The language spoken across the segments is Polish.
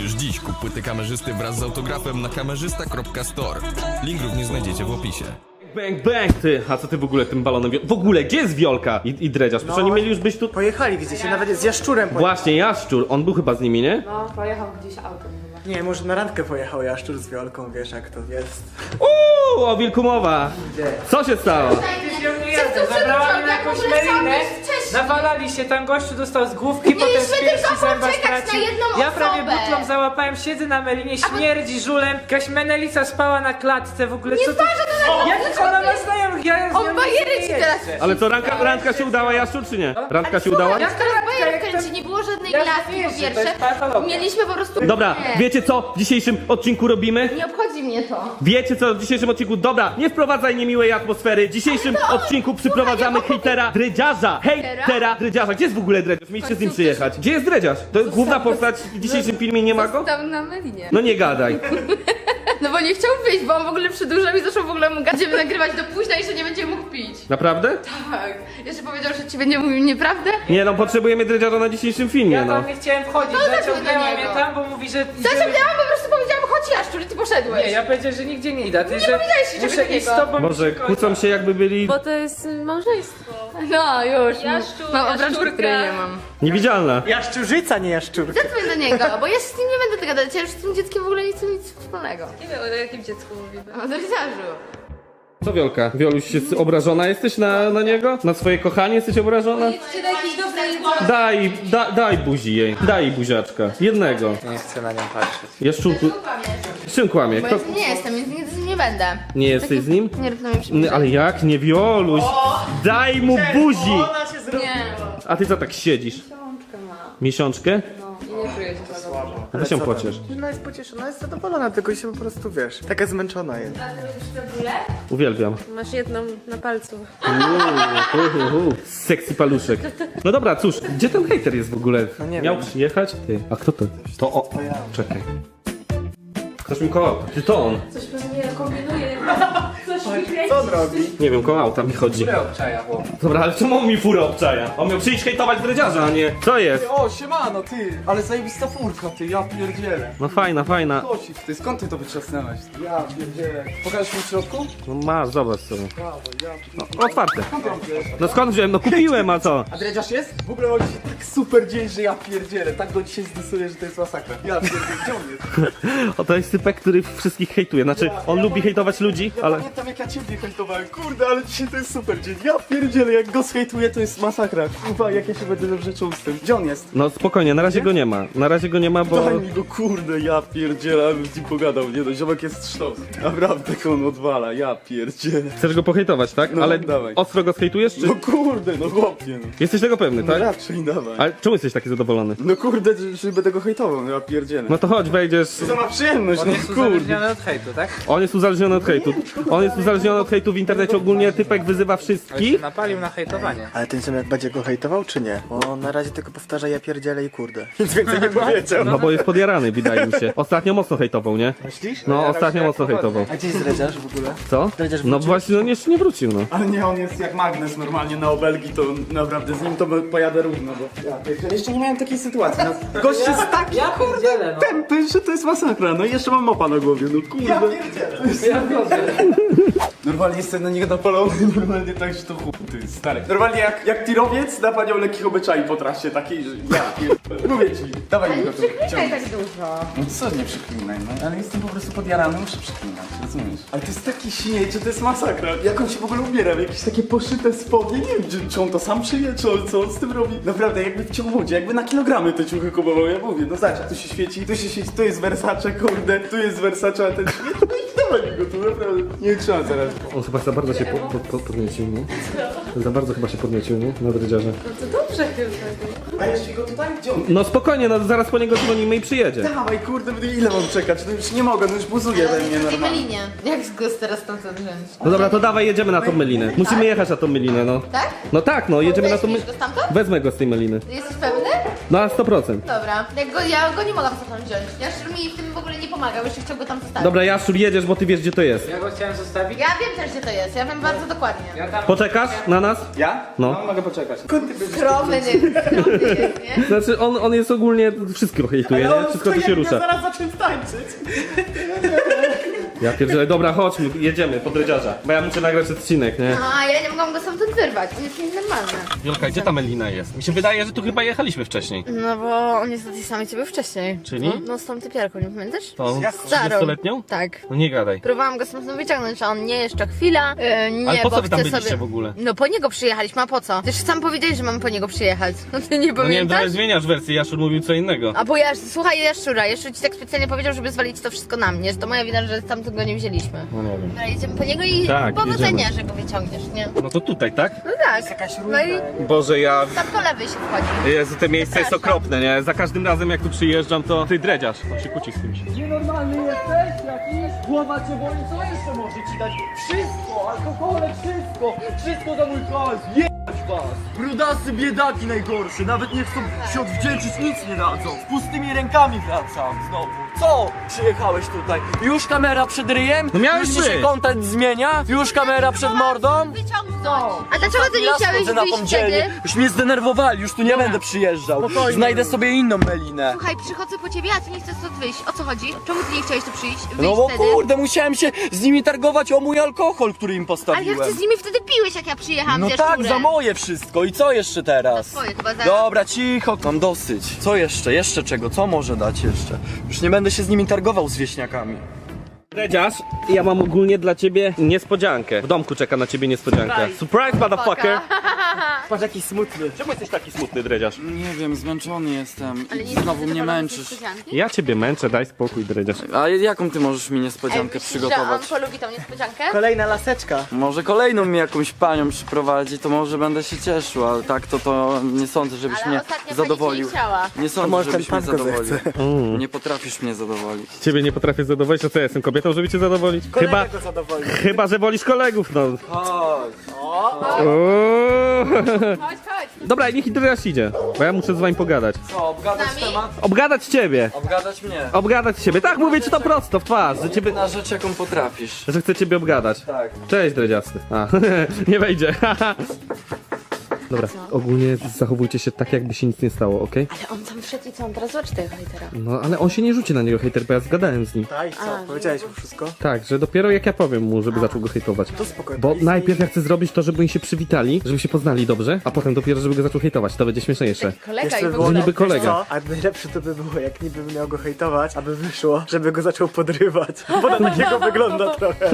Już dziś kup płyty kamerzysty wraz z autografem na kamerzysta.store. Link również znajdziecie w opisie. Bang, bang, ty! A co ty w ogóle tym balonem... W ogóle, gdzie jest Wiolka i Dredziarz? Przecież oni mieli już być tu... Pojechali, widzę się, nawet z Jaszczurem pojechał. Właśnie, Jaszczur, on był chyba z nimi, nie? No, pojechał gdzieś autem chyba. Nie, może na randkę pojechał Jaszczur z Wiolką, wiesz jak to jest. O wilku mowa! Co się stało? Zabrała mnie na jakąś melinę, nawalali się, tam gościu dostał z główki, potem z piersi zęba stracił. Ja prawie butlą załapałem, siedzę na melinie, śmierdzi żulem, jakaś menelica spała na klatce, w ogóle co to... Jak ona ma znajomych, ja z nią On bajery nie ci teraz jeżdżę. Ale co, randka się udała, Jaszczur, czy nie? Randka się udała? Jak teraz bajer kręci, nie było żadnej Ja glaski wiesz, po że to pierwsze. jest patologia. Mieliśmy po prostu... Dobra, Nie. wiecie co w dzisiejszym odcinku robimy? Nie obchodzi mnie to. Wiecie co w dzisiejszym odcinku? Dobra, nie wprowadzaj niemiłej atmosfery. W dzisiejszym odcinku przyprowadzamy hejtera Dredziarza. Hejtera Dredziarza. Gdzie jest w ogóle Dredziarz? Mieliście z nim przyjechać. Gdzie jest Dredziarz? To jest główna postać w dzisiejszym filmie, nie ma go? Tam na melinie. No nie gadaj. No bo nie chciał wyjść, bo on w ogóle przedłużał i zaczął w ogóle mu gadać, będziemy nagrywać do późna i że nie będzie mógł pić. Naprawdę? Tak. Jeszcze powiedział, że ci będzie mówił nieprawdę. Nie no, potrzebujemy Dredziarza na dzisiejszym filmie, Ja no. tam nie chciałem wchodzić, No, zaciągnęła do mnie niego. tam, bo mówi, że... Zaciągnęłam, po prostu powiedziałam, chodź Jaszczur i ty poszedłeś. Nie, ja powiedziałem, że nigdzie nie idę, ty, że powiedziałeś, że muszę nie iść z go. tobą. Może kłócą się jakby byli Bo to jest małżeństwo. No już. Jaszczur, Mam obrączkę, jaszczurka. której nie mam. niewidzialna. Jaszczurzyca, nie Jaszczurka. Zadzwoń do niego, bo ja się z nim nie będę dogadać, ja już z tym dzieckiem w ogóle nie chcę nic wspólnego. Nie wiem, o jakim dziecku mówimy. O Dredziarzu. Co Wiolka? Wioluś, jest obrażona jesteś na niego? Na swoje kochanie jesteś obrażona? Czy do jakiejś dobrej Daj buzi jej. Daj jej buziaczka. Jednego. Nie chcę na nią patrzeć. Jaszczurku. Z czym kłamie? Bo Kto... ja nie jestem, więc nigdy z nim nie będę. Nie jesteś z nim? Nie rób na mnie przybliżenia. Ale jak? Nie Wioluś. Daj mu buzi. Ona się zrobiła. Nie. A ty co tak siedzisz? Miesiączkę? i nie czuję się zadowolona. Weź się pociesz. Ona jest pocieszona, jest zadowolona, tylko się po prostu, wiesz, taka zmęczona jest. Uwielbiam. Masz jedną na palcu. Sexy paluszek. No dobra, cóż, gdzie ten hejter jest w ogóle? No nie Miał wiem. przyjechać? Ty. A kto to? To o. Czekaj. Ktoś mi koło auta. Ty to on. Coś pewnie kombinuje. Coś mi kręci. Co on robi? Nie wiem, koło auta mi chodzi. Obczaja, chłop. Dobra, ale czemu on mi furę obczaja? On miał przyjść hejtować Dredziarza, a nie... Co jest? O, siemano, ty, ale zajebista furka, ty, ja pierdzielę. No fajna, fajna. Kosik, ty, skąd ty to wytrzasnęłeś? Ja pierdzielę. Pokażesz mi w środku? No masz, zobacz sobie. Brawo, ja No, otwarte. Skąd tam wiesz? No skąd wziąłem? No kupiłem, a co? A Dredziarz jest? W ogóle ma dzisiaj tak super dzień, że ja pierdzielę. Tak go dzisiaj zdesuję, że to jest masakra. Ja pierdzielę, gdzie on jest? O, to jest typek, który wszystkich hejtuje. Znaczy, on lubi hejtować ludzi, Ja ale... pamiętam jak ja ciebie hejtowałem. Kurde, ale dzisiaj to jest super dzień. Ja pierdzielę, jak go zhejtuję, to jest masakra. Kurwa, jak ja się będę dobrze czuł z tym. Gdzie on jest? No spokojnie, na razie go nie ma. Na razie go nie ma, bo... Daj mi go, kurde, ja pierdzielę, ale z nim pogadał. Nie no, ziomek jest sztos. Naprawdę, jak on odwala, ja pierdzielę. Chcesz go pohejtować, tak? No, Ale dawaj. ostro go zhejtujesz, czy... No kurde, no chłopie, no. Jesteś tego pewny, No tak? raczej dawaj. Ale czemu jesteś taki zadowolony? No kurde, że będę go hejtował, ja pierdzielę. No to chodź, wejdziesz... To ma przyjemność, On no jest kurde. uzależniony od hejtu, tak? On jest uzależniony od hejtu. On jest uzależniony od hejtu w internecie ogólnie, typek wyzywa Ale się wszystkich. napalił na hejtowanie. Ale ten ziomek będzie go hejtował, czy nie? Bo on na razie tylko powtarza ja pierdzielę i kurde. Nic więcej nie powiedział. No bo jest podjarany, wydaje mi się. Ostatnio mocno hejtował, nie? Myślisz? No, ostatnio mocno hejtował. A gdzie jest Dredziarz w ogóle? Co? No właśnie, no nie wrócił, no. Ale nie, on jest jak magnes normalnie na obelgi, to naprawdę z nim to pojadę równo, bo ja pierdzielę, jeszcze nie miałem takiej sytuacji. No, gość jest taki Ja pierdzielę, no. tępy, że to jest masakra, no i jeszcze mam mopa na głowie, no kurde. Ja Normalnie jestem na niego napalony, normalnie tak, że to chuj, ty stary. Normalnie jak tirowiec na panią lekkich obyczai po trasie takiej, że ja pierdolę. Mówię ci, dawaj mi go tu. Przeklinaj tak dużo. No co nie przeklinaj, no ale jestem po prostu podjarany, muszę przeklinać, rozumiesz? Ale to jest taki śmieć, że to jest masakra. Jak on się w ogóle ubiera, w jakieś takie poszyte spodnie, nie wiem, czy on to sam szyje, czy co on z tym robi. Naprawdę, jakby w ciągłodzie, jakby na kilogramy te ciuchy kupował, ja mówię, no zobacz, tu się świeci, tu jest Versace, kurde, tu jest Versace, a ten śmieć, no i dawaj mi go tu, naprawdę. Nie trzeba zaraz. On chyba za bardzo się podniecił, nie? Za bardzo chyba się podniecił, nie? Na Dredziarze. No to dobrze chyba. A jeszcze go tutaj? Gdzie on? No spokojnie, no zaraz po niego dzwonimy i przyjedzie. Dawaj, kurde, ile mam czekać? No już nie mogę, no już buzuje we mnie W tej normalnie. melinie. Jak go teraz stamtąd wziąć? No dobra, to dawaj, jedziemy na tą melinę. Musimy jechać na tą melinę, no. Tak? No tak, no, jedziemy na tą Weźmiesz melinę. go stamtąd? Wezmę go z tej meliny. Jesteś pewny? No na 100%. Dobra. Ja go nie mogłam stamtąd wziąć. Jaszczur mi w tym w ogóle nie pomagał, jeszcze chciał go tam zostawić. Dobra, Jaszczur, jedziesz, bo ty wiesz, gdzie to jest. Ja go chciałem zostawić. Ja wiem też, gdzie to jest. Ja wiem bardzo dokładnie. Ja tam... Poczekasz na nas? Ja? No. Mogę poczekać. Krok skromny jest, nie? Znaczy on jest ogólnie, wszystko hejtuje, nie? Wszystko tu się rusza. Zaraz zacząć tańczyć. Ja pierdzielę, dobra, chodźmy, jedziemy po dredziarza. Bo ja muszę nagrać odcinek, nie? A ja nie mogłam go stamtąd wyrwać, on jest nienormalny. Wiolka, gdzie ta Melina jest? Mi się wydaje, że tu chyba jechaliśmy wcześniej. No bo on jest do tej samej ciebie wcześniej. Czyli? No z tą typiarką, nie pamiętasz? Tą Starą. 30-letnią? Tak. No nie gadaj. Próbowałam go stamtąd wyciągnąć, a on nie, jeszcze chwila. Nie, Ale po co bo wy tam chce byliście sobie... w ogóle? No po niego przyjechaliśmy, a po co? Też sam powiedziałeś, że mamy po niego przyjechać. No ty nie No nie wiem, pamiętasz? trochę zmieniasz wersję, Jaszur mówił co innego. A bo słuchaj Jaszczura, Jaszczur ci tak specjalnie powiedział, żeby zwalić to wszystko na mnie, że to moja wina, że stamtąd go nie wzięliśmy. No nie wiem. Dobra, jedziemy po niego i Tak, powodzenia, jedziemy. że go wyciągniesz, nie? No to tutaj, tak? No tak. No i Boże, ja... tam po lewej się wchodzi. Jezu, te miejsce jest Zapraszam. okropne, nie? Za każdym razem jak tu przyjeżdżam, to ty dredziarz. On się kłóci z kimś. Nienormalny jesteś jakiś? Głowa cię boli, co jeszcze może ci dać? Wszystko, alkohole, wszystko! Wszystko za mój hajs! Jebać was! Brudasy biedaki najgorsze, nawet nie chcą się odwdzięczyć, nic nie dadzą! Z pustymi rękami wracam znowu! Co? Przyjechałeś tutaj? Już kamera przed ryjem? No miałeś Już ci się być. content zmienia? Już kamera przed mordą? A dlaczego ty nie Ja chciałeś schodzę na wyjść pomdzielnie. wtedy? Już mnie zdenerwowali, już tu nie będę przyjeżdżał. Znajdę sobie inną Melinę. Słuchaj, przychodzę po ciebie, a ty nie chcesz stąd wyjść. O co chodzi? Czemu ty nie chciałeś tu przyjść? Wyjść No bo wtedy? kurde, musiałem się z nimi targować o mój alkohol, który im Ale postawiłem. jak ty z nimi wtedy piłeś, jak ja przyjechałam No z tak, Jaszczurem? za moje wszystko. I co jeszcze teraz? Za swoje chyba, za- Dobra, cicho, mam dosyć. Co jeszcze? Jeszcze czego? Co może dać jeszcze? Już nie będę się z nimi targował z wieśniakami. Dredziarz, ja mam ogólnie dla ciebie niespodziankę. W domku czeka na ciebie niespodzianka. Surprise, motherfucker! Patrz jaki smutny. Czemu jesteś taki smutny, dredziarz? Nie wiem, zmęczony jestem Ale nie znowu chcesz mnie zapalonej męczysz. niespodzianki? Ja ciebie męczę, daj spokój, dredziarz. A jaką ty możesz mi Ej, niespodziankę myślisz, że przygotować? on polubi tą niespodziankę? Kolejna laseczka. Może kolejną mi jakąś panią przyprowadzi, to może będę się cieszył, ale tak to nie sądzę, żebyś Ale mnie ostatnio zadowolił. pani nie chciała. Nie sądzę, może żebyś ten mnie pan go zadowolił. zechce. Nie potrafisz mnie zadowolić. Ciebie nie potrafię zadowolić, a co ja jestem kobietą, żeby cię zadowolić? Kolega go zadowoli. Chyba, że wolisz kolegów, no. Chodź. Uuu. Chodź, chodź. Dobra, niech dredziarz idzie, bo ja muszę z wami pogadać. Co, obgadać Z nami? temat? Obgadać ciebie! Obgadać mnie. Obgadać ciebie, tak mówię ci to prosto, w twarz, że ciebie... Na rzecz, jaką potrafisz. Że chcę ciebie obgadać. Tak. Cześć, dredziasty. A, nie wejdzie. Dobra, ogólnie zachowujcie się tak, jakby się nic nie stało, okej? Ale on tam wszedł i co, on teraz zobaczy tego hejtera. No, ale on się nie rzuci na niego hejter, bo ja zgadałem z nim. Tak, i co? Powiedziałeś mu wszystko? Tak, że dopiero jak ja powiem mu, żeby zaczął go hejtować. To spokojnie. Bo najpierw ja chcę zrobić to, żeby oni się przywitali, żeby się poznali dobrze, a potem dopiero, żeby go zaczął hejtować. To będzie śmieszniejsze. Kolega i Jeszcze w było ogóle. niby kolega. Co? A najlepsze to by było, jak niby miał go hejtować, aby wyszło, żeby go zaczął podrywać. Bo na takiego wygląda trochę.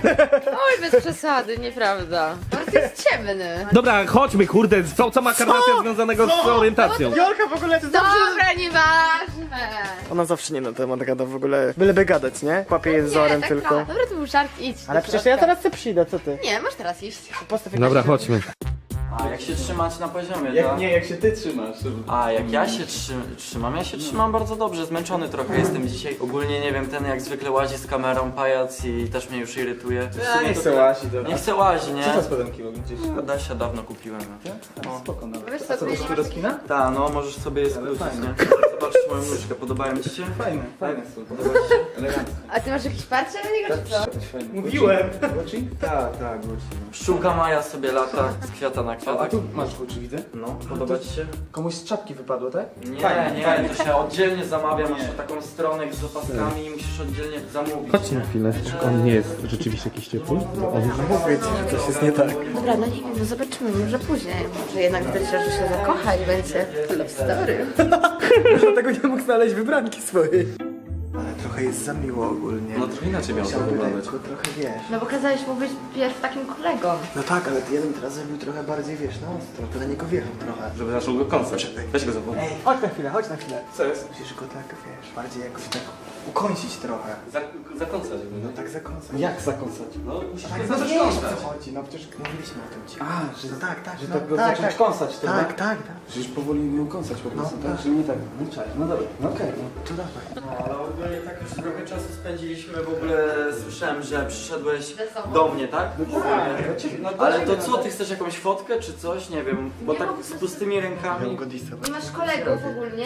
Oj, bez przesady, nieprawda. On jest ciemny. Dobra, chodźmy, kurde, co ma karnacja związanego z orientacją? Jolka w ogóle to zawsze... Dobra, nieważne. Ona zawsze nie na temat gada w ogóle. Byleby gadać, nie? Kłapie je wzorem tak tylko. Dobra, to był żart, idź. Ale do przecież środka. ja teraz chcę przyjdę, co ty? Nie, masz teraz iść. Postaw Dobra, chodźmy. A jak się trzymać na poziomie, tak? jak się ty trzymasz. A jak ja się trzymam? Ja się trzymam bardzo dobrze, zmęczony trochę jestem dzisiaj. Ogólnie nie wiem, ten jak zwykle łazi z kamerą, pajac i też mnie już irytuje. Ja nie chcę łazić, Nie chcę łazi, nie? spodenki gdzieś? Adasia dawno kupiłem. No. Spoko, no. Wiesz co, to do skina? Ta, no możesz sobie je skrócić, nie? Zobaczysz moją nóżkę, podobają ci się? Fajne są. Podoba ci się? A ty masz jakiś parcie na niego, czy co? Mówiłem. Tak, pszczółka Maja sobie lata z kwiata na kwiatek. masz Gucci, widzę. No, podoba ci się? Komuś z czapki wypadło, tak? Nie, to się oddzielnie zamawia, masz taką stronę z opaskami i musisz oddzielnie zamówić. Chodźcie na chwilę. On nie jest rzeczywiście jakiś ciepły? On już Mówię ci, że coś jest nie tak. Dobra, no nie wiem, no zobaczymy, może później. Może jednak widać, że się zakocha i będzie love story. Dlatego nie mógł znaleźć wybranki swojej. Ale trochę jest za miło ogólnie. No trochę inaczej miało to wyglądać. Lekko, trochę wiesz. No bo kazałeś mu być pierw takim kolegą. No tak, ale ty jeden teraz zrobił trochę bardziej, wiesz, na ostro. To na niego wjechał trochę. Żeby zaczął go koncert. Weź go za Ej, chodź na chwilę. Co jest? Musisz go tak, wiesz, bardziej jakoś tak ukończyć trochę. Zakąsać go, No tak zakąsać. Jak zakąsać? No, musisz Tak, go no zacząć wiesz, o kąsać. co chodzi, no przecież mówiliśmy o tym ci. A, że No tak, że no, tak go tak, zacząć tak. kąsać, to Tak, tak, tak. Przecież powoli ją kąsać po prostu, No, tak? tak. Czyli nie tak, no czaj, no dobra, no okej. No. To dawaj. No, ale ogólnie tak już trochę czasu spędziliśmy, w ogóle słyszałem, że przyszedłeś Ze sobą. do mnie, tak? No, Ale to co, ty chcesz jakąś fotkę czy coś? Nie wiem, bo tak z pustymi rękami. Go disować. Nie masz kolegów ogólnie?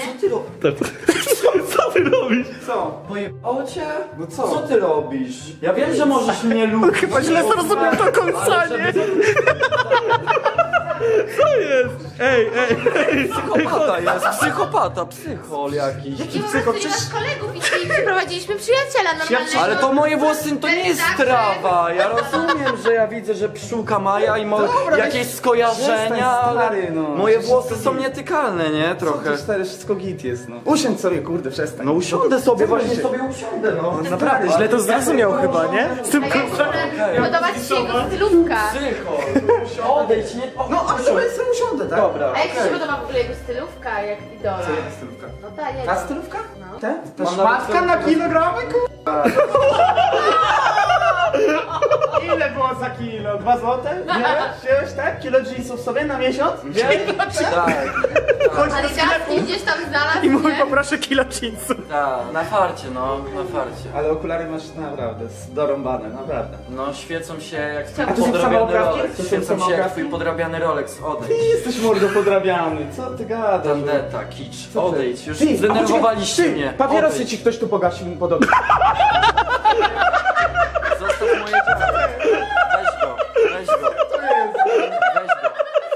Co ty robisz? Co? Pojebało cię? No co? Co ty robisz? Ja wiem, że możesz mnie lubić. Chyba źle zrozumiał to kąsanie. Co jest? Ej. Psychopata jest, psychol jakiś. I po prostu nie masz kolegów i przyprowadziliśmy przyjaciela normalnego. Ale to moje włosy to nie jest Zawsze. trawa. Ja rozumiem, że ja widzę, że pszczółka Maja i jakieś skojarzenia, przestań, ale stary, no. moje włosy są nietykalne, nie? Trochę. To stary, wszystko git jest, no. Usiądź sobie, kurde, przestań. No usiądę sobie, Co właśnie będzie? sobie usiądę, no. Naprawdę, źle to zrozumiał chyba, nie? Z tym A ja muszę podobać ci się jego stylówka. Psychol. Odejdź, nie... No, a sobie usiądę, tak? Dobra. A jak ci się podoba w ogóle jego stylówka, jak idola? Stylówka. No ta jego. Ta stylówka? No. Te? Ta Mam szmatka nawet- na kilogramy, kurwa. Ile było za kilo? 2 złote? Wziąłeś tak? Kilo jeansów sobie na miesiąc? Tak, Ale Gwiazdki gdzieś tam znalazł, I mój nie? poproszę kilo jeansów. tak, na farcie, no, na farcie. Ale okulary masz naprawdę dorąbane, naprawdę. No, świecą się jak twój A to są podrabiany samooprawki? Rolex. To są Świecą się jak samooprawki? twój podrabiany Rolex, odejdź. Ty jesteś mordo podrabiany, co ty gadasz? Tandeta, kicz, Co ty? odejdź, już Ty, a zdenerwowaliście poczekaj, mnie. Ty, papierosy Odejdź. ci ktoś tu pogasił podobnie. Zostaw moje dziecko. Weź go, weź go. Weź go.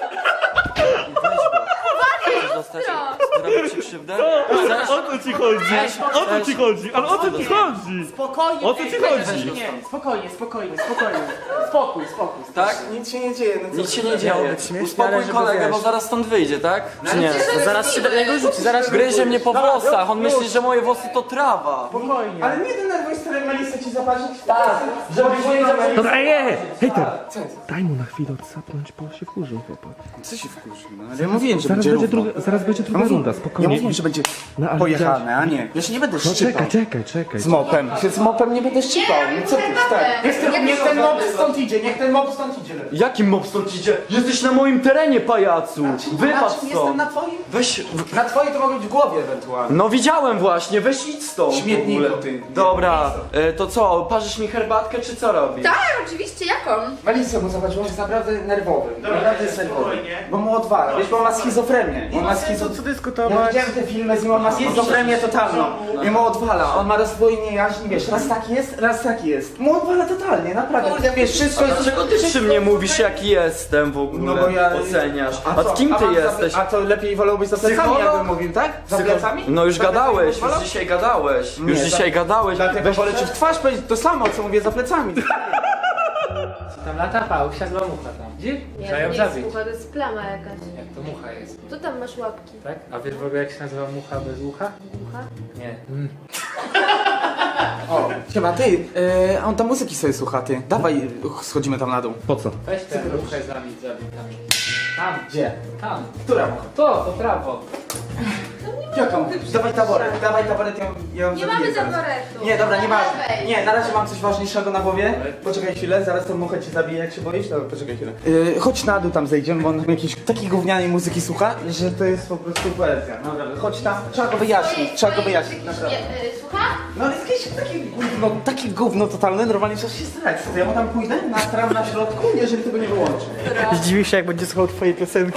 Chcesz dostać, zrobić ci krzywdę? Chcesz? O co ci chodzi? O co ci chodzi? Ale o co ci chodzi? Spokojnie. O co ci chodzi? Nie, spokojnie. Spokój. Tak? Nic się nie dzieje. No co Nic się ty? nie dzieje. Uspokój kolegę, bo zaraz stąd wyjdzie, tak? Czy nie? Zaraz się do niego rzuci, zaraz Gryzie mnie po włosach, on myśli, że moje włosy to trawa. Spokojnie. Ale nie denerwuj stary, Melisa ci zaparzyć. Tak, żeby się nie zaparzyć. Dobra, hejter! Daj mu na chwilę odsapnąć, bo się wkurzył chłopak. Co się wkurzył? No, ale ja mówiłem, że Zaraz będzie będzie równo. zaraz będzie druga runda, Ja spokojnie. mówiłem, że będzie No, ale pojechane, a nie. Ja się nie będę No szczypał. czekaj. Z mopem. Z mopem nie będę szczypał. No co ty, stary? Niech ten mop stąd idzie, niech ten mop stąd idzie. Jakim mob stąd idzie? Jesteś na moim terenie, pajacu! Wypadł Jestem stąd! na twoim? Weź... Na twoim to mogę być w głowie ewentualnie. No widziałem właśnie, weź idź stąd. Śmietniku, w ogóle. ty. Dobra, to co, parzysz mi herbatkę czy co robisz? Tak, oczywiście, jaką? Melisa, bo zobacz, on jest naprawdę nerwowy. Naprawdę jest nerwowy. Bo mu odwala. Wiesz, bo on ma schizofrenię. On ma schizofrenię. Ja widziałem te filmy z nim, on ma schizofrenię totalną. I mu odwala. On ma rozdwojenie jaźni, wiesz, raz taki jest, raz taki jest. Mu odwala totalnie, naprawdę. Wiesz, wszystko jest... Dlaczego ty przy mnie mówisz jaki jestem w ogóle? No bo ja... Oceniasz. co? A kim ty mam jesteś? A to lepiej wolałbyś za plecami, Psycholog? jakbym mówił, tak? Za plecami? No już Za plecami gadałeś, wolał? już dzisiaj gadałeś. Już Nie, dzisiaj gadałeś. Dlatego wolę ci w twarz powiedzieć to samo, co mówię za plecami. Tam lata pałsia, zła mucha tam. Widzisz? Trzeba Nie, ją to nie jest zabić. mucha, to jest plama jakaś. Jak to mucha jest, Tu tam masz łapki. tak? A wiesz w ogóle jak się nazywa mucha bez ucha? Mucha? Nie. O, chyba ty, a on tam muzyki sobie słucha, ty. Dawaj, schodzimy tam na dół. Po co? Weź tę muchę zabić tam. Tam, Gdzie? tam. Która? To prawo. Jaką? Dawaj taboret, ja ją Nie zabiję mamy zaraz. zaboretu. Nie, dobra, nieważne. Dawaj. Nie, na razie mam coś ważniejszego na głowie. Poczekaj chwilę, zaraz tą muchę cię zabiję, jak się boisz. Dobra, poczekaj chwilę. Chodź na dół tam zejdziemy, bo on tam jakiejś takiej gównianej muzyki słucha, że to jest po prostu poezja. Naprawdę, chodź tam, trzeba go wyjaśnić, naprawdę. Słucha? No ale jest jakieś takie gówno totalne, normalnie trzeba się starać. To ja mu tam pójdę, nastram na środku, jeżeli tego nie wyłączy. Zdziwi się, jak będzie słuchał twojej piosenki.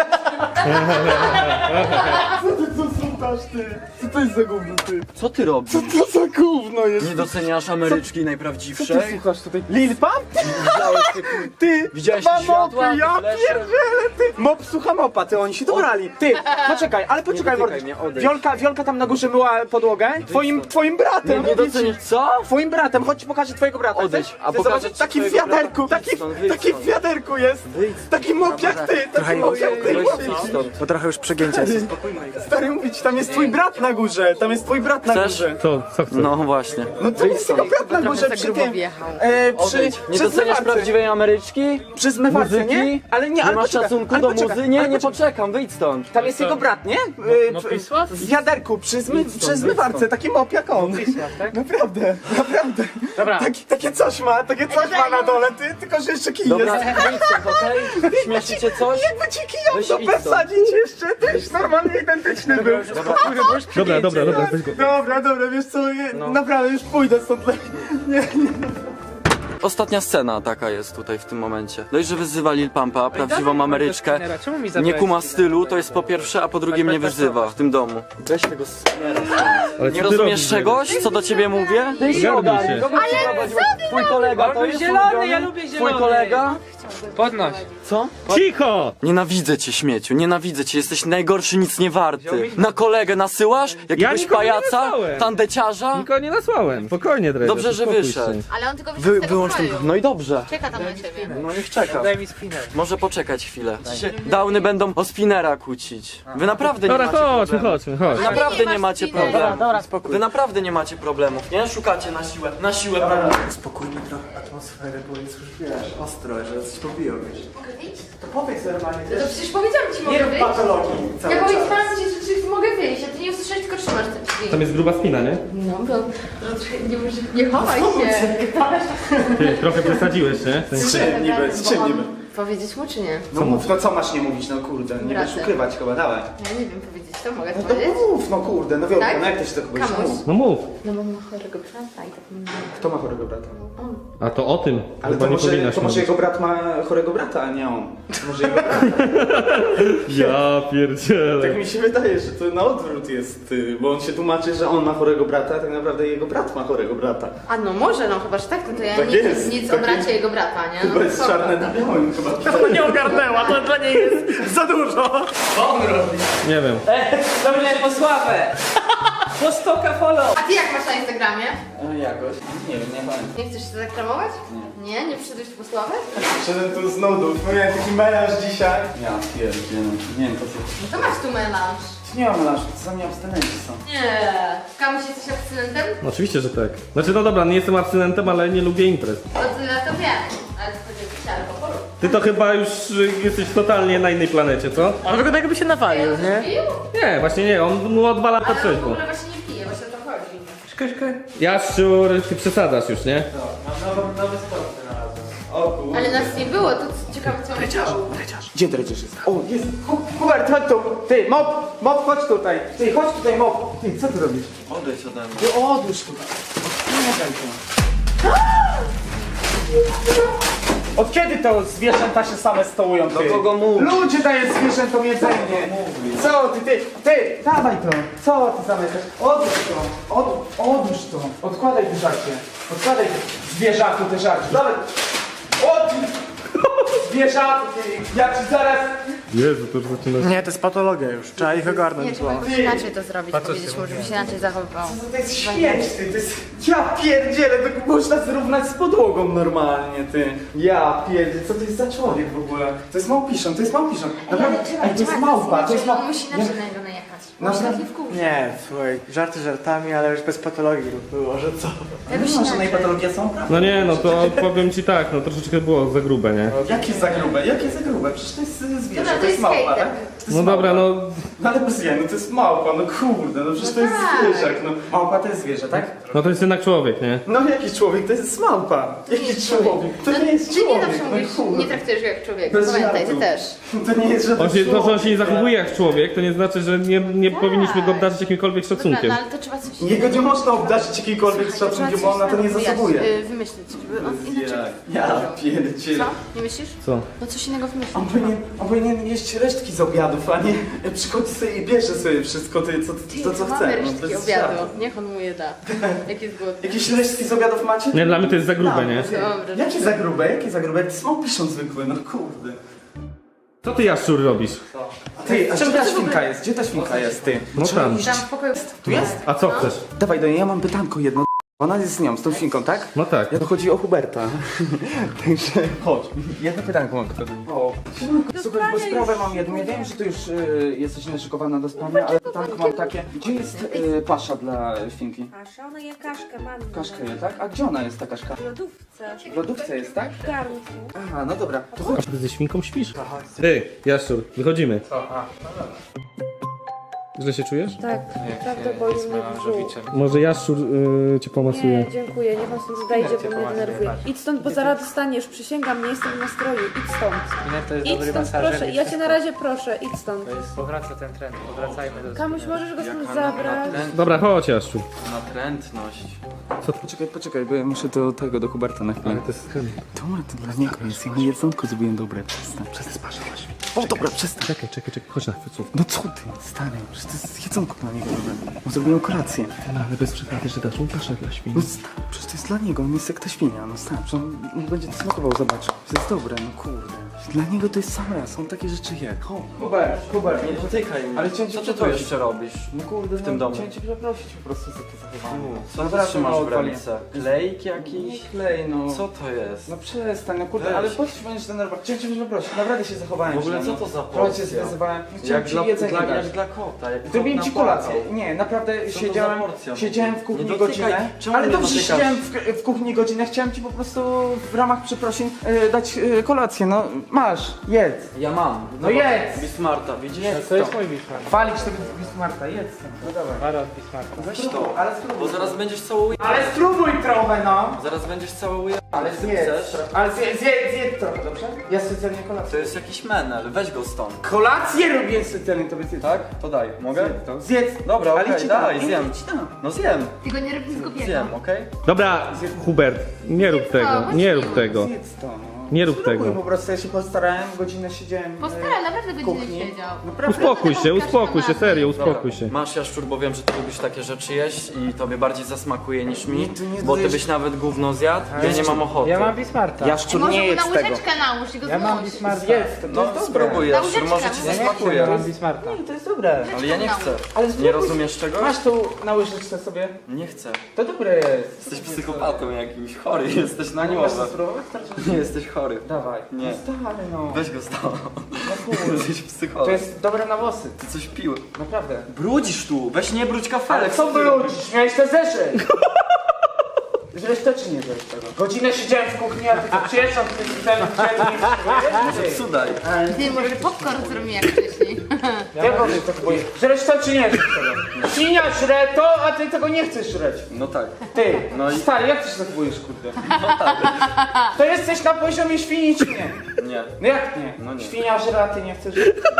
Co słuchasz, ty? Co to jest za gówno, ty? Co ty robisz? Co to za gówno jest? Nie doceniasz Ameryczki Co ty najprawdziwszej? słuchasz tutaj? Lil Pump? Ty! Widziałeś dwa te światła, mopy, ja te flesze? pierdzielę, ty! Mop słucha mopa, ty, oni się dobrali. Ty, poczekaj, ale poczekaj, dotykaj Mordy. mnie, odejdź. Wiolka tam na górze myła podłogę. Twoim bratem. Nie docenisz co? Twoim bratem, chodź ci pokażę twojego brata. Odejdź, Chcesz? a Chcesz pokażę zobaczyć? ci Taki w twojego wiaderku, brata. Wyjdź taki stąd. w wiaderku jest. Taki mop jak ty, taki mop jak ty. Weź stąd. Bo trochę już przegięcia jest. Stary mówić, tam jest twój brat na górze, tam jest twój brat na Chcesz? górze. Co chcesz? No właśnie. No to jest jego brat na górze przy tym. Odejdź. Nie przy doceniasz zmywarce. prawdziwej Ameryczki? Przy zmywarce, Muzyki? nie? Ale nie, Nie ale masz poczekaj, szacunku ale do poczekaj, muzy? Nie, ale nie poczekaj. poczekam, wyjdź stąd. Tam jest jego brat, nie? W wiaderku, przy zmywarce, taki mop jak on. tak? Naprawdę. Dobra. Takie coś ma na dole, ty, tylko że jeszcze kij Dobra, jest. wyjdź stąd, okej? Śmieszy cię coś? Jakby ci kijał Weź to idź stąd. przesadzić jeszcze, tyś normalnie identyczny był. Dobra, weź go. Dobra, wiesz co, naprawdę już pójdę stąd. Nie. Ostatnia scena taka jest tutaj w tym momencie. Dość, że wyzywa Lil Pumpa, prawdziwą Ameryczkę. Czemu mi Nie zabrałeś kuma chwilę? stylu, to jest po pierwsze, a po drugie mnie wyzywa w tym domu. Weź tego Ale Nie co ty rozumiesz robisz, czegoś, co do ciebie mówię? Ty się Ogarnij ogarnij. się. Twój kolega to On jest zielony, ulubiony? ja lubię Twój zielony. kolega? Podnoś. Co? Cicho! Nienawidzę cię, śmieciu, nienawidzę cię, jesteś najgorszy, nic nie warty. Na kolegę nasyłasz? Jakiegoś nikogo nie pajaca? nasłałem. Tandeciarza? Nikogo nie nasłałem. Spokojnie, Dredziarz. Dobrze, że uspokój wyszedł. się. Ale on tylko wyszedł z tego Wyłącz ten... pokoju. No i dobrze. Czeka tam na ciebie. No niech czeka. Daj mi spinę. Może poczekać chwilę. Downy będą o spinera kłócić. Wy naprawdę nie Dobra, macie chodźmy, problemu. chodźmy, chodź. Wy naprawdę masz nie macie spinera. problemu. Wy naprawdę nie macie problemów, nie? Szukacie na siłę problemów. Spokojnie trochę atmosferę, bo jest już wiesz, ostro, że coś pobiło, wiesz. Mogę wyjść? To powiedz normalnie, No to przecież powiedziałam ci, nie mogę rób wyjść. patologii cały Ja czas. powiedziałam ci, że mogę wyjść, a ty nie usłyszałeś, tylko trzymasz te drzwi. Tam jest gruba spina, nie? No, bo nie chowaj się. Ty, trochę przesadziłeś, nie? W sensie- Z czym niby, z czym niby? Powiedzieć mu czy nie? No mów, no co masz nie mówić, no kurde, nie Bratem. będziesz ukrywać chyba, dawaj. Ja nie wiem powiedzieć, to mogę No to to powiedzieć? mów, no kurde, no wiadomo, Tak? no jak to się do kogoś Kamuś. mów. No mów. No bo ma chorego brata i tak nie Kto ma chorego brata? A to o tym Ale chyba to nie może, powinnaś to może mówić. jego brat ma chorego brata, a nie on. Może jego brat. Ja pierdzielę. Tak mi się wydaje, że to na odwrót jest, bo on się tłumaczy, że on ma chorego brata, a tak naprawdę jego brat ma chorego brata. A no może, no chyba, że tak, no to ja Tak nic, jest, nic tak o bracie jest. jego brata, nie? No Chyba jest spoko. czarne na białym chyba. To nie ogarnęła, to dla niej jest za dużo. Nie wiem. Dobrze, po sławę. Po 100 follow. A ty jak masz na Instagramie? Jakoś, nie wiem, nie pamiętam. Nie chcesz się zareklamować? Nie? Nie przyszedłeś tu po sławę? Przyszedłem tu z nudów, miałem taki melanż dzisiaj. Ja pierdzielę, nie wiem po co. No to masz tu melanż. Nie mam melanżu, to za mnie abstynenci są. Nie. Kamuś jesteś abstynentem? No, oczywiście, że tak. Znaczy, no dobra, nie jestem abstynentem, ale nie lubię imprez. To tyle to wiem. Ale to chodzi o picie alkoholu. Ty to chyba już jesteś totalnie na innej planecie, co? On wygląda jakby się nawalił, nie? Pił? Nie, właśnie nie, on mu odwala to Ale on w trzeźwo. ogóle właśnie nie pije, właśnie o to chodzi. Jaszczur, ty przesadzasz już, nie? Mam nowy sport znalazłem. O kurde. Ale nas nie było, to ciekawe co on chciał. Gdzie dredziarz jest? O, jest! Hubert, chodź tu! Ty, mop, chodź tutaj! Ty, chodź tutaj, mop! Ty, co ty robisz? Odejdź ode mnie. Ty, odłóż tutaj! Odpinaj to! Od kiedy to zwierzęta się same stołują, ty? Do kogo mówisz? Ludzie dają zwierzętom jedzenie! Co ty, dawaj to! Co ty zamykasz? Odłóż to! Odłóż to! Odkładaj te żarcie! Odkładaj zwierzaku te żarcie! Dawaj! Zwierzaku, ty! Ja ci zaraz... Jezu, to już zaczyna się... Nie, to jest patologia już, trzeba ich ogarnąć. Nie, trzeba jakoś inaczej to zrobić, powiedzieć mu, żeby się inaczej zachowywał. To jest śmieć, ty, to jest... Ja pierdzielę, to można zrównać z podłogą normalnie, ty. Ja pierdzielę, co to jest za człowiek w ogóle? To jest małpiszon, to jest małpiszon. Naprawdę, ej, to jest małpa, to jest On małpa. musi inaczej na niego najechać. No, Musi no. taki wkurzyć. Nie, słuchaj, żarty żartami, ale już bez patologii było, że co? Jakoś Wiesz, że inaczej. patologia są? No nie, no to powiem ci tak, no troszeczkę było za grube, nie? Jakie za grube? Jakie za grube? Przecież to jest zwierzę, Dobra, to jest małpa, hejter. tak? To jest No dobra, małpa. no... No ale bez jaj, no to jest małpa, no kurde, no przecież to jest tak. zwierzak, no. Małpa to jest zwierzę, tak? No to jest jednak człowiek, nie? No jakiś człowiek, to jest małpa. Jaki jest człowiek? To nie jest Ty nie człowiek, zawsze no mówisz, kurde. nie traktujesz go jak człowieka, Bez pamiętaj, ty żartu. też. To nie jest żaden To, że on człowiek. się nie zachowuje jak człowiek, to nie znaczy, że nie powinniśmy go obdarzyć jakimkolwiek Dobra, szacunkiem. no ale to trzeba coś... Jego nie można obdarzyć jakiejkolwiek Słuchaj, to trzeba szacunkiem, bo on na to nie coś zasługuje. Wymyślić, żeby on inaczej... Ja pierdzielę. Co? Nie myślisz? Co? No coś innego wymyślić. On powinien jeść resztki z obiadów, a nie przychodzi sobie i bierze sobie wszystko, to co chce. Mamy no, resztki bez obiadu, żartu. niech on mu je da. Jak jest głodny. Jakieś resztki z obiadów macie? Nie, dla mnie to jest za grube, nie? Dobra. Jakie za grube? Jakie za grube? To są piszą zwykłe, no kurde. Co ty, Jaszczur, robisz? Ty, a gdzie ta świnka jest? Gdzie ta świnka jest, ty? No tam. Tam w pokoju... Tu jest? A co chcesz? Dawaj do niej, ja mam pytanko jedno. Ona jest z nią, z tą świnką, tak? No tak. Ja to chodzi o Huberta. Także chodź. Jedno pytanko mam tylko do niej. O. Słuchaj, bo sprawę mam jedną. Ja wiem, że ty już jesteś naszykowana do spania, ale pytanko mam takie. Gdzie jest pasza dla świnki? Pasza, ona je kaszkę, mam. Kaszka je, tak? A gdzie ona jest ta kaszka? W lodówce. W lodówce jest, tak? W garnku. Aha, no dobra. To chodź. Ty ze świnką śpisz? Ty, Jaszczur, wychodzimy. Źle się czujesz? Tak, naprawdę boli mnie brzuch. Może Jaszczur cię pomasuje. Nie, dziękuję, niech on stąd odejdzie, bo mnie denerwuje. Idź stąd, bo zaraz dostaniesz, przysięgam, nie jestem w nastroju, idź stąd. To jest Idź dobry stąd, masażer. proszę, ja cię na razie proszę, idź stąd. Powraca ten trend, powracajmy do Kamuś, możesz go stąd zabrać? Dobra, chodź, Jaszczur. Natrętność. Poczekaj, bo ja muszę do tego, do Huberta na chwilę. To jest Dobra, to dla niego jest. Ja mu jedzonko zrobiłem dobre. Przestań, patrz. O, dobra, przestań. Czekaj, chodź na chwilę. No co ty, stary, przecież to jest jedzonko dla niego. No zrobiłem kolację. No ale bez przesady, że dasz mu kaszek dla świni. No stary, przecież to jest dla niego, on jest jak ta świnia. No stary, przecież on będzie to smakował, zobacz. To jest dobre, no kurde. Dla niego to jest sam raz, on takie rzeczy je. Hubert, Nie dotykaj mnie. Ale chciałem cię Co ty tu przeprosić. jeszcze robisz? No kurde, w tym domu? Chciałem cię przeprosić po prostu za to zachowanie. Co ty Naprawdę trzymasz mało w ręce? Klejk Nie jakiś? klej, no. Co to jest? No przestań, no kurde, Weź. ale po co się będziesz denerwować? Chciałem cię przeprosić, naprawdę się zachowałem. W ogóle źle, co no. to za Trochę cię porcja? zestresowałem. Chciałem ci jedzenie dać. jak dla kota. Jak Zrobiłem kot ci napłakał. kolację. Nie, naprawdę Co to siedziałem, za porcja? siedziałem w kuchni Nie dotykaj. godzinę. Czemu Ale mnie dobrze, dotykasz? siedziałem w kuchni godzinę. Chciałem ci po prostu w ramach przeprosin dać kolację. No masz, jedz. Ja mam. No jedz. Bismarta, widzisz? Jedz To jest to. mój Bismarck. Chwalić tego Bismarta, jedz to. No dawaj. Baron Bismarcka. Weź to. Ale Bo spróbuj. zaraz będziesz cały Ale spróbuj trochę, no. Zaraz będziesz cały Ale zjedz. Chcesz? Ale zjedz trochę, dobrze? Ja specjalnie kolację. To jest jakiś menel, weź go stąd. Kolację robię specjalnie tobie zjedz. Tak? To daj. Mogę? Zjedz to. Zjedz. Dobra, Ale okej, ci dam. daj, Nie, zjem. ci dam. No zjem. Tylko nie rób nic głupiego. Zjem, okej? Dobra, Hubert, nie rób tego, nie rób tego. Zjedz to, no. Nie rób Spróbuj, tego. po prostu ja się postarałem, godzinę siedziałem Postaraj, naprawdę w godzinę kuchni. siedział. Naprawdę. Uspokój się, serio, uspokój się. Masz jaszczur, bo wiem, że ty lubisz takie rzeczy jeść i tobie bardziej zasmakuje niż mi, Nie, ty nie bo ty dajesz- byś nawet gówno zjadł, ja nie mam ochoty. Ja mam Bismarcka. Jaszczur Może nie mu na jest tego. łyżeczkę nałóż i go Ja mam zmuć. Bismarcka. Zjedz to, to No jest dobre. spróbuj Na jaszczur, może ci łyżeczkę. zasmakuje. Ja mam Bismarcka. Nie, to jest dobre. Ale ja nie chcę. Ale Nie spróbuj. rozumiesz czegoś? Masz tu na łyżeczce sobie. Nie chcę. To dobre jest. Jesteś psychopatą jakimś, chory jesteś na Możesz głowę. to spróbować? Nie jesteś chory. Dawaj. Nie. No stary, no. Weź go stąd. No kurde. Jesteś To psycholog. jest dobre na włosy. Ty coś pił. Naprawdę. Brudzisz tu, weź nie brudź Ale kafelek. co wrócisz? Miałeś to zeszyć. Żeś to czy nie żeś tego? Godzinę siedziałem w kuchni, a ty to przyjeżdżam, ty Może cudaj. Ty, może popcorn zrobimy jak wcześniej. Jak on to kupuje? Żreć to czy nie żreć tego? Świnia żre to, a ty tego nie chcesz żreć. No tak. Ty, No i- stary, jak ty się zachowujesz, kurde? To jesteś na poziomie świni czy nie? Nie. No jak nie? No nie. Świnia żre, a ty nie chcesz.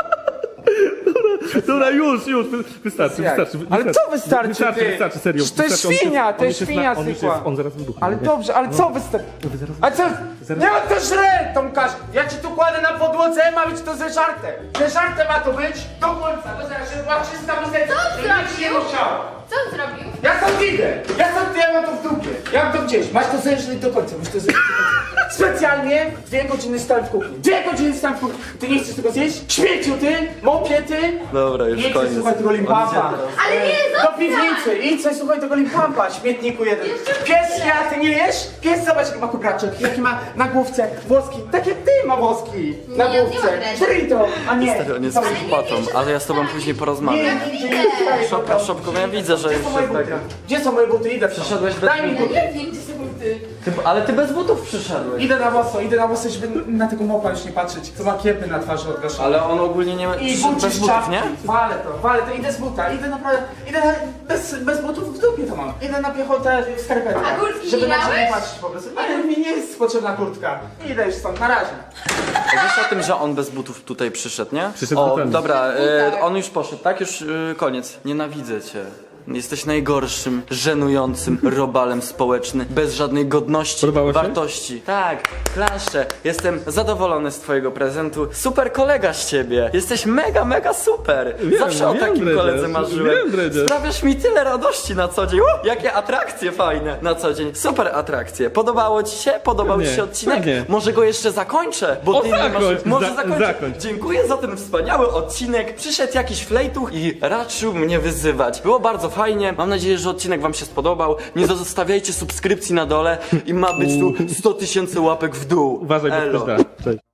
Dobra, już, wystarczy, Jak? wystarczy. Ale co wystarczy, ty? Wystarczy, serio. To jest wystarczy, świnia, to on jest już świnia on już zwykła. jest, on zaraz wybuchnie. Ale dobrze, ale co wystarczy? A co? Nie ma to żre, Tomkasz! Ja ci tu kładę na podłodze, ma być to zeżarte. Zeżarte ma to być do końca, to zaraz, żeby była czysta miseczka. Co żeby nic nie zrobił? musiało. Co on zrobił? Ja stąd idę! Ja mam to w dupie! Ja mam to gdzieś! Masz to zeżreć do końca, masz to zeżreć do końca. Specjalnie 2 godziny stałem w kuchni. 2 godziny stałem w kuchni. Ty nie chcesz tego zjeść? Śmieciu ty! Mopie ty! Dobra, już Nie chcesz koniec. słuchaj tego On limpampa. idzie teraz. Ale nie, Do zostań! piwnicy! Idź coś słuchaj tego limpampa, śmietniku jeden. Pies, ja ty nie jesz? Pies, zobacz jaki ma kubraczek, jaki ma na główce włoski. Tak jak ty ma włoski na Nie, on nie ma główce. dreadów. Żyj to, a nie. Stary, on jest Dobra. psychopatą, ale ja z tobą później porozmawiam. Nie, Szopka, szopką, ja widzę, że Gdzie już są moje jest tak. buty? Gdzie są moje buty? Idę w to. Przyszedłeś bez Daj mi butów. buty. Ja nie wiem, gdzie są buty. Ale ty bez butów przyszedłeś. Idę na włosy, żeby na tego mopa już nie patrzeć, co ma kiepy na twarzy odgaszone. Ale on ogólnie nie ma... I przyszedł buty bez z butów, czapki. nie? Walę to, idę z buta, idę naprawdę, bez butów w dupie to mam. Idę na piechotę w skarpetach. A kurtki żeby nie na ciebie miałeś? patrzeć po prostu. Nie, mi nie jest potrzebna kurtka. Idę już stąd, na razie. Wiesz o tym, że on bez butów tutaj przyszedł, nie? Przyszedł O, butami. dobra, butach. on już poszedł, tak? Już koniec. Nienawidzę cię. Jesteś najgorszym, żenującym robalem społecznym, bez żadnej godności, Podobało się? wartości. Tak, klaszczę. Jestem zadowolony z twojego prezentu. Super kolega z ciebie. Jesteś mega, mega super. Wiem, Zawsze o wiem, takim Dredziarz, koledze marzyłem. wiem, Dredziarz. Sprawiasz mi tyle radości na co dzień. Jakie atrakcje fajne na co dzień. Super atrakcje. Podobało ci się? Podobał ci Pewnie, się odcinek? pewnie. Może go jeszcze zakończę, bo O, ty nie masz... zakończ, Może zakończę. zakończ. Dziękuję za ten wspaniały odcinek. Przyszedł jakiś flejtuch i raczył mnie wyzywać. Było bardzo fajnie. Mam nadzieję, że odcinek wam się spodobał. Nie zostawiajcie subskrypcji na dole i ma być tu 100 000 łapek w dół. Uważaj, bo Elo. ktoś da. Cześć.